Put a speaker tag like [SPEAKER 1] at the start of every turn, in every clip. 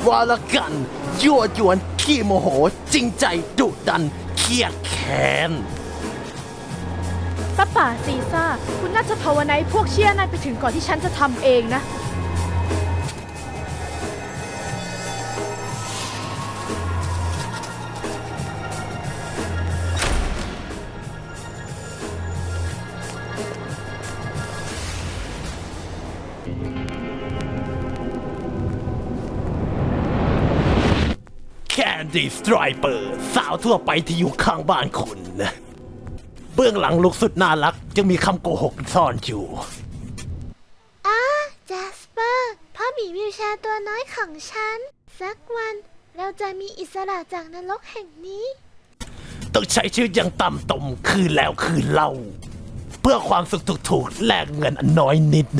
[SPEAKER 1] วาละกันยั่วยวนขี้โมโหจริงใจดุดันเครียดแค้น
[SPEAKER 2] ป้าป่าซีซ่าคุณน่าจะภาวนาให้พวกเชี่ยนายไปถึงก่อนที่ฉันจะทำเองนะ
[SPEAKER 1] แคนดี้สไตรเปอร์สาวทั่วไปที่อยู่ข้างบ้านคุณนะเบื้องหลังลูกสุดน่ารักยังมีคำโกหกซ่อนอยู่
[SPEAKER 3] แจสเปอร์พ่อหมีวิวแชร์ตัวน้อยของฉันสักวันเราจะมีอิสระจากนรกแห่งนี้
[SPEAKER 1] ต้องใช้ชีวิตอย่างต่ำตมคืนแล้วคืนเล่าเพื่อความสุขถูกๆแลกเงินอันน้อยนิด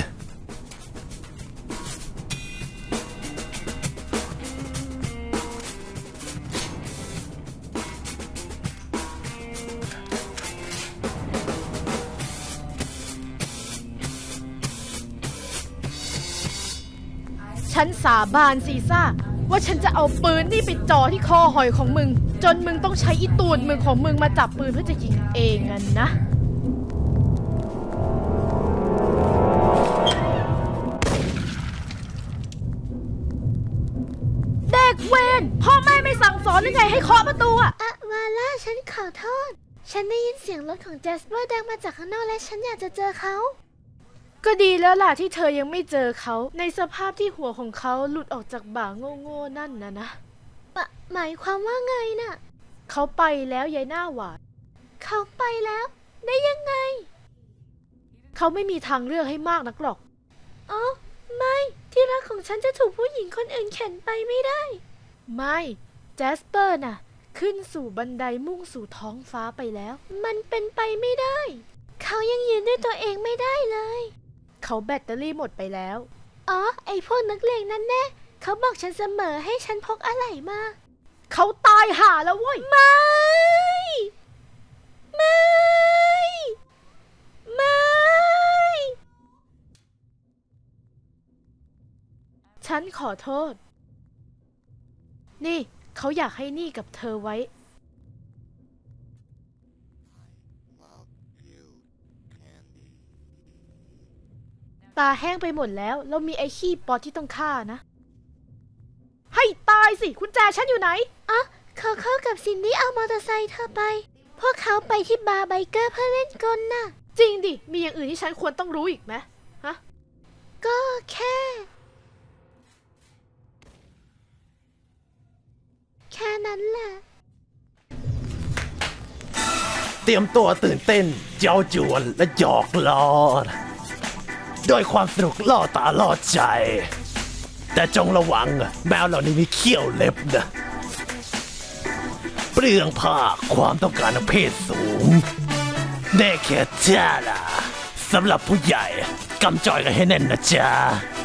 [SPEAKER 2] ฉันสาบานซีซ่าว่าฉันจะเอาปืนนี่ไปจ่อที่คอหอยของมึงจนมึงต้องใช้อีตูดมึงของมึงมาจับปืนเพื่อจะยิงเองงั้นนะเด็กเวรพ่อแม่ไม่สั่งสอนหรือไงให้เคาะประตูอะ
[SPEAKER 3] วาล่าฉันขอโทษฉันได้ยินเสียงรถของแจสเปอร์ดังมาจากข้างนอกและฉันอยากจะเจอเขา
[SPEAKER 2] ก็ดีแล้วล่ะที่เธอยังไม่เจอเขาในสภาพที่หัวของเขาหลุดออกจากบ่าโง่ๆนั่นนะ
[SPEAKER 3] หมายความว่าไงน่ะ
[SPEAKER 2] เขาไปแล้วยายหน้าหวาน
[SPEAKER 3] เขาไปแล้วได้ยังไง
[SPEAKER 2] เขาไม่มีทางเลือกให้มากนักหรอก
[SPEAKER 3] อ๋อไม่ที่รักของฉันจะถูกผู้หญิงคนอื่นเข็นไปไม่ได้
[SPEAKER 2] ไม่แจสเปอร์น่ะขึ้นสู่บันไดมุ่งสู่ท้องฟ้าไปแล้ว
[SPEAKER 3] มันเป็นไปไม่ได้เขายังยืนด้วยตัวเองไม่ได้เลย
[SPEAKER 2] เขาแบตเตอรี่หมดไปแล้ว
[SPEAKER 3] อ๋อไอพวกนักเลงนั่นแน่เขาบอกฉันเสมอให้ฉันพกอะไรมา
[SPEAKER 2] เขาตายห่าแล้วเว้ย
[SPEAKER 3] ไม่
[SPEAKER 2] ฉันขอโทษนี่เขาอยากให้นี่กับเธอไว้ตาแห้งไปหมดแล้วเรามีไอ้ขี้ปอที่ต้องฆ่านะให้ตายสิคุณแจฉันอยู่ไหน
[SPEAKER 3] เขากับซินดี้เอามอเตอร์ไซค์เธอไปพวกเขาไปที่บาร์ไบเกอร์เพื่อเล่นกลน่ะ
[SPEAKER 2] จริงดิมีอย่างอื่นที่ฉันควรต้องรู้อีกไหมฮะ
[SPEAKER 3] ก็แค่นั้นแหละ
[SPEAKER 1] เตรียมตัวตื่นเต้นเย้าจวนและหยอกล้อด้วยความสนุกล่อตาล่อใจแต่จงระวังแมวเหล่านี้มีเขี้ยวเล็บนะเปลืองผ้าความต้องการทางเพศสูงแน่แค่จ้าล่ะสำหรับผู้ใหญ่กำจอยกันให้แน่นนะจ๊ะ